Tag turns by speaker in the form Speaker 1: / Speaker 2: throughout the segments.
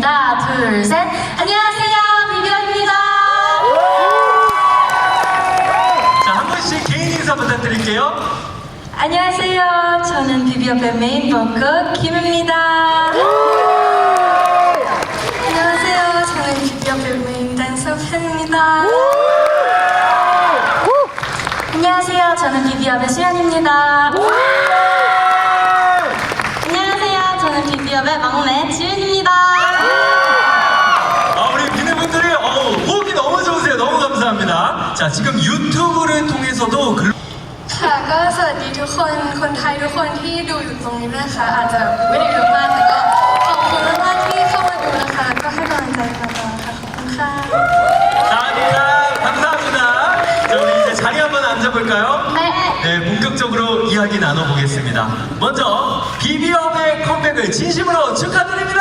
Speaker 1: 하겠습니다. 둘, 셋. 안녕하세요, 비비언입니다.
Speaker 2: 자, 한 분씩 개인 인사 부탁드릴게요.
Speaker 1: 안녕하세요. 저는 비비언의 메인 보컬 김입니다. 안녕하세요. 저는 비비언의 메인 댄서 팬입니다. 안녕하세요. 저는 비비언의 수연입니다. 안녕하세요. 저는 비비언의 막내 지윤입니다.
Speaker 2: 우리 비누분들이 호흡이 너무 좋으세요. 너무 감사합니다. 자, 지금 유튜브를 통해서도
Speaker 3: ค่ะก็สวัสดีทุกคนคนไทยทุกคนที่ดูอยู่ตรงนี้นะคะอาจจะไม่ได้เยอะมากแต่ก็ขอบคุณมากๆที่เข้ามาดูนะคะก็ให้กำลังใจกันมาค่ะขอบคุณค่ะ
Speaker 2: 감사합니다. 자, 우리 이제 자리 한번 앉아볼까요? 네, 본격적으로 이야기 나눠보겠습니다. 먼저 비비엄의 컴백을 진심으로 축하드립니다.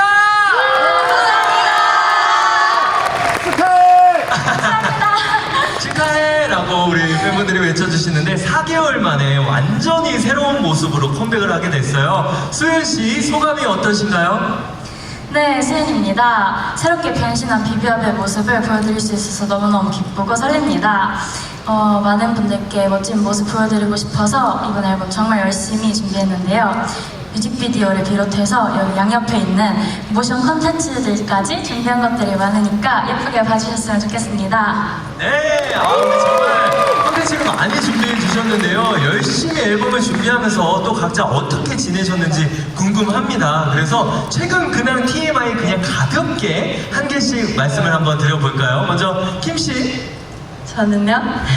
Speaker 2: 축하해라고 우리 팬분들이 외쳐주시는데 4개월 만에 완전히 새로운 모습으로 컴백을 하게 됐어요. 수현 씨 소감이 어떠신가요?
Speaker 1: 네, 수연입니다. 새롭게 변신한 비비업의 모습을 보여드릴 수 있어서 너무너무 기쁘고 설렙니다. 많은 분들께 멋진 모습 보여드리고 싶어서 이번 앨범 정말 열심히 준비했는데요. 뮤직비디오를 비롯해서 여기 양옆에 있는 모션 콘텐츠들까지 준비한 것들이 많으니까 예쁘게 봐주셨으면 좋겠습니다.
Speaker 2: 네, 우리 정말 콘텐츠를 많이 준비해 주셨는데요. 열심히 앨범을 준비하면서 또 각자 어떻게 지내셨는지 궁금합니다. 그래서 최근 근황 TMI 그냥 가볍게 한 개씩 말씀을 한번 드려볼까요? 먼저 김 씨.
Speaker 1: 저는요?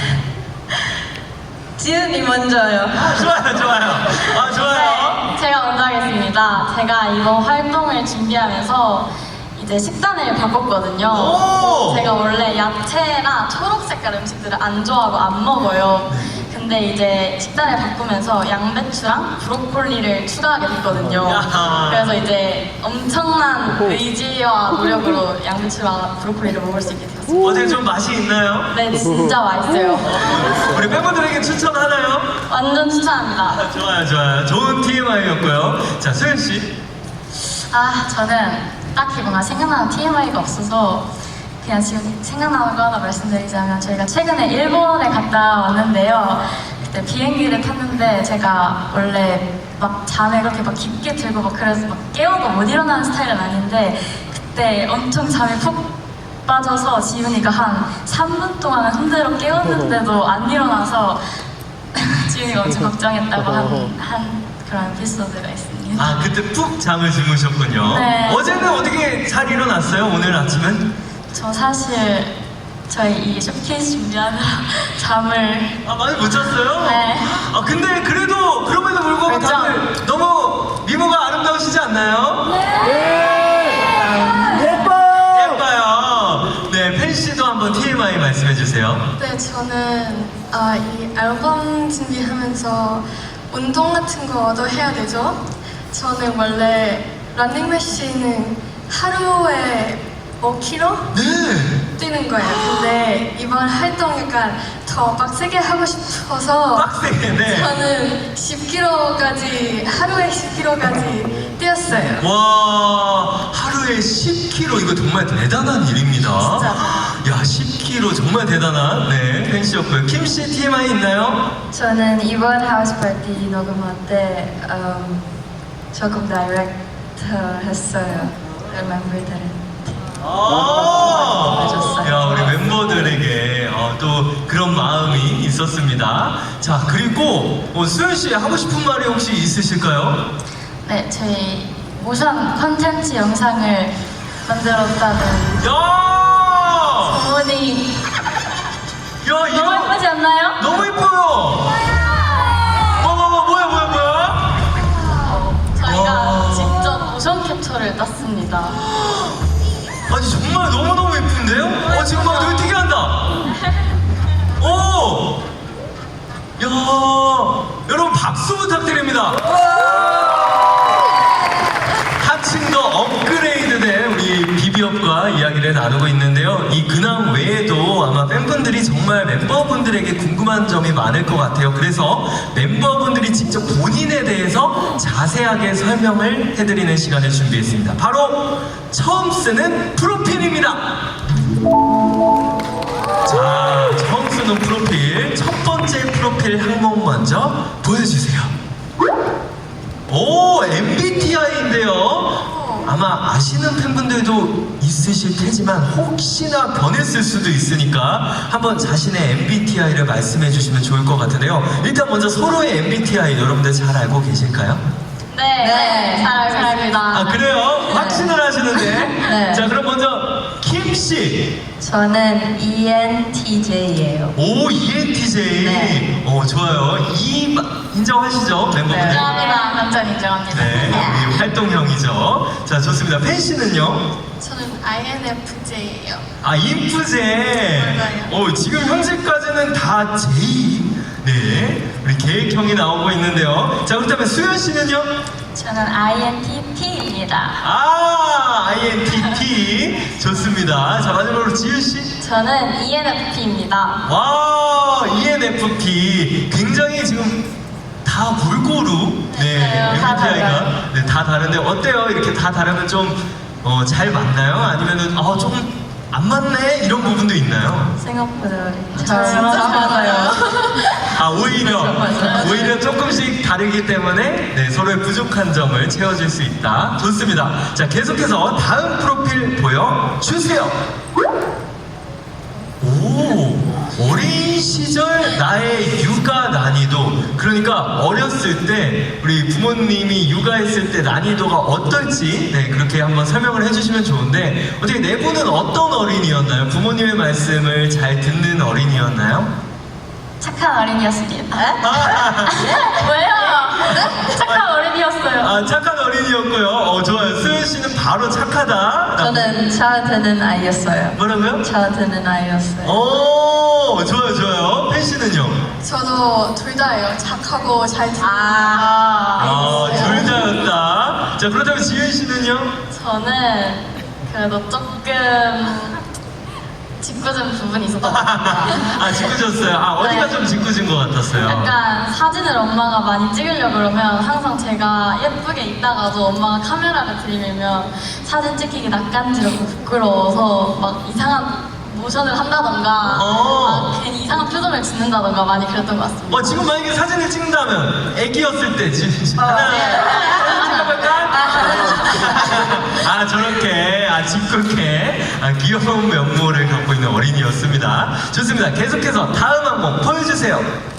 Speaker 1: 지은이 먼저요.
Speaker 2: 좋아요. 좋아요.
Speaker 1: 네, 제가 먼저 하겠습니다. 제가 이번 활동을 준비하면서 이제 식단을 바꿨거든요.
Speaker 2: 오!
Speaker 1: 제가 원래 야채나 초록 색깔 음식들을 안 좋아하고 안 먹어요. 근데 이제 식단을 바꾸면서 양배추랑 브로콜리를 추가하게 됐거든요.
Speaker 2: 야하.
Speaker 1: 그래서 이제 엄청난 의지와 노력으로 양배추랑 브로콜리를 먹을 수 있게 되었습니다.
Speaker 2: 어제 좀 맛이 있나요?
Speaker 1: 네, 진짜 맛있어요.
Speaker 2: 우리 팬분들에게 추천하나요?
Speaker 1: 완전 추천합니다.
Speaker 2: 좋아요. 좋은 TMI였고요. 자, 수현 씨.
Speaker 1: 저는 딱히 뭔가 생각나는 TMI가 없어서 그냥 지금 생각나는 거 하나 말씀드리자면 저희가 최근에 일본에 갔다 왔는데요. 그때 비행기를 탔는데 제가 원래 막 잠에 그렇게 막 깊게 들고 막 그래서 막 깨워도 못 일어나는 스타일은 아닌데 그때 엄청 잠에 푹 빠져서 지훈이가 한 3분 동안 흔들어 깨웠는데도 안 일어나서 지훈이가 엄청 걱정했다고 한 그런 에피소드가 있습니다.
Speaker 2: 그때 푹 잠을 주무셨군요.
Speaker 1: 네.
Speaker 2: 어제는 어떻게 잘 일어났어요? 오늘 아침은?
Speaker 1: 저 사실 저희 이 쇼케이스 준비하느라 잠을
Speaker 2: 많이 못 잤어요?
Speaker 1: 네.
Speaker 2: 근데 그래도 그럼에도 불구하고
Speaker 1: 그렇죠.
Speaker 2: 다들 너무 미모가 아름다우시지 않나요? 예뻐요. 네, 팬 씨도 한번 TMI 말씀해 주세요.
Speaker 3: 네 저는 이 앨범 준비하면서 운동 같은 거도 해야 되죠. 저는 원래 러닝머신은 하루에 5km
Speaker 2: 네.
Speaker 3: 뛰는 거예요. 근데 이번 활동 약간 더 빡세게 하고 싶어서
Speaker 2: 빡세게, 네.
Speaker 3: 저는 10km까지 하루에 10km까지 뛰었어요.
Speaker 2: 와, 하루에 10kg 이거 정말 대단한 일입니다.
Speaker 1: 진짜.
Speaker 2: 야, 10kg 정말 대단한 팬 씨였고요. 김 씨 TMI 있나요?
Speaker 1: 저는 이번 하우스 파티 녹음할 때 조금 다이렉트 했어요. 멤버들은.
Speaker 2: 야, 우리 멤버들에게 또 그런 마음이 있었습니다. 자, 그리고 수현 씨 하고 싶은 말이 혹시 있으실까요?
Speaker 1: 네, 저희 모션 컨텐츠 영상을 만들었다는
Speaker 2: 야!
Speaker 1: 소문이
Speaker 2: 야,
Speaker 1: 너무
Speaker 2: 이거
Speaker 1: 예쁘지 않나요?
Speaker 2: 너무 예뻐요. 뭐야?
Speaker 1: 저희가
Speaker 2: 와.
Speaker 1: 직접 모션 캡처를 땄습니다.
Speaker 2: 아니 정말 너무너무 예쁜데요? 지금 막 되게 특이한다. 오! 야, 여러분 박수 부탁드립니다. 한층 더 업그레이드된 우리 비비어 기업과 이야기를 나누고 있는데요. 이 근황 외에도 아마 팬분들이 정말 멤버분들에게 궁금한 점이 많을 것 같아요. 그래서 멤버분들이 직접 본인에 대해서 자세하게 설명을 해드리는 시간을 준비했습니다. 바로 처음 쓰는 프로필입니다. 자, 처음 쓰는 프로필, 첫 번째 프로필 항목 먼저 보여주세요. 오, MBTI인데요. 아마 아시는 팬분들도 있으실 테지만 혹시나 변했을 수도 있으니까 한번 자신의 MBTI를 말씀해 주시면 좋을 것 같은데요. 일단 먼저 서로의 MBTI 여러분들 잘 알고 계실까요?
Speaker 1: 네, 잘 알고 있습니다.
Speaker 2: 아, 그래요? 확신을 하시는데.
Speaker 4: 네.
Speaker 2: 자, 그럼 먼저 킴씨.
Speaker 4: 저는 ENTJ예요.
Speaker 2: 오, ENTJ.
Speaker 4: 네.
Speaker 2: 좋아요. 인정하시죠? 멤버분들?
Speaker 1: 인정합니다. 완전 인정합니다.
Speaker 2: 네, 우리 활동형이죠. 자, 좋습니다. 팬 씨는요?
Speaker 3: 저는 INFJ예요.
Speaker 2: 아, 인프제.
Speaker 3: 맞아요.
Speaker 2: 지금 현재까지는 다 J. 네, 우리 계획형이 나오고 있는데요. 자, 그렇다면 수현 씨는요?
Speaker 1: 저는 INTP입니다.
Speaker 2: 아, INTP. 좋습니다. 자, 마지막으로 지윤 씨.
Speaker 1: 저는 ENFP입니다.
Speaker 2: 와, ENFP. 굉장히 지금 다 골고루, 네,
Speaker 1: 네, 다
Speaker 2: MBTI가
Speaker 1: 달라요.
Speaker 2: 네, 다 다른데 어때요? 이렇게 다 다르면 좀 잘 맞나요? 아니면은 조금 안 맞네 이런 부분도 있나요?
Speaker 4: 생각보다
Speaker 1: 잘
Speaker 4: 맞아요.
Speaker 2: 아, 오히려
Speaker 4: 맞아요.
Speaker 2: 오히려 조금씩 다르기 때문에 네, 서로의 부족한 점을 채워줄 수 있다. 좋습니다. 자, 계속해서 다음 프로필 보여주세요. 오, 어린 시절 나의 육아 난이도. 그러니까 어렸을 때 우리 부모님이 육아했을 때 난이도가 어떨지 네, 그렇게 한번 설명을 해주시면 좋은데 어떻게 네 분은 어떤 어린이였나요? 부모님의 말씀을 잘 듣는 어린이였나요?
Speaker 1: 착한 어린이였습니다.
Speaker 2: 아,
Speaker 1: 왜요? 착한 어린이였어요.
Speaker 2: 아, 착한 어린이였고요. 좋아요. 수현 씨는 바로 착하다.
Speaker 4: 저는 차드는 아이였어요.
Speaker 2: 뭐라고요?
Speaker 4: 차드는 아이였어요.
Speaker 2: 오, 좋아요, 좋아요. 팬 씨는요?
Speaker 3: 저도 둘 다예요. 착하고 잘 듣는.
Speaker 2: 둘 다였다. 자, 그렇다면 지윤 씨는요?
Speaker 1: 저는 그래도 조금 짓궂은 부분이 있었던 것 같아요.
Speaker 2: 아, 짓궂었어요. 어디가
Speaker 1: 네.
Speaker 2: 좀 짓궂은 것 같았어요?
Speaker 1: 약간 사진을 엄마가 많이 찍으려고 그러면 항상 제가 예쁘게 있다가도 엄마가 카메라를 들이밀면 사진 찍히기 낯간지럽고 부끄러워서 막 이상한 모션을 한다던가 막 괜히 이상한 표정을 짓는다던가 많이 그랬던 것 같습니다.
Speaker 2: 지금 만약에 사진을 찍는다면 애기였을 때 하나 찍어볼까? 저렇게 짓궂게 귀여운 면모를 갖고 있는 어린이였습니다. 좋습니다. 계속해서 다음 항목 보여주세요.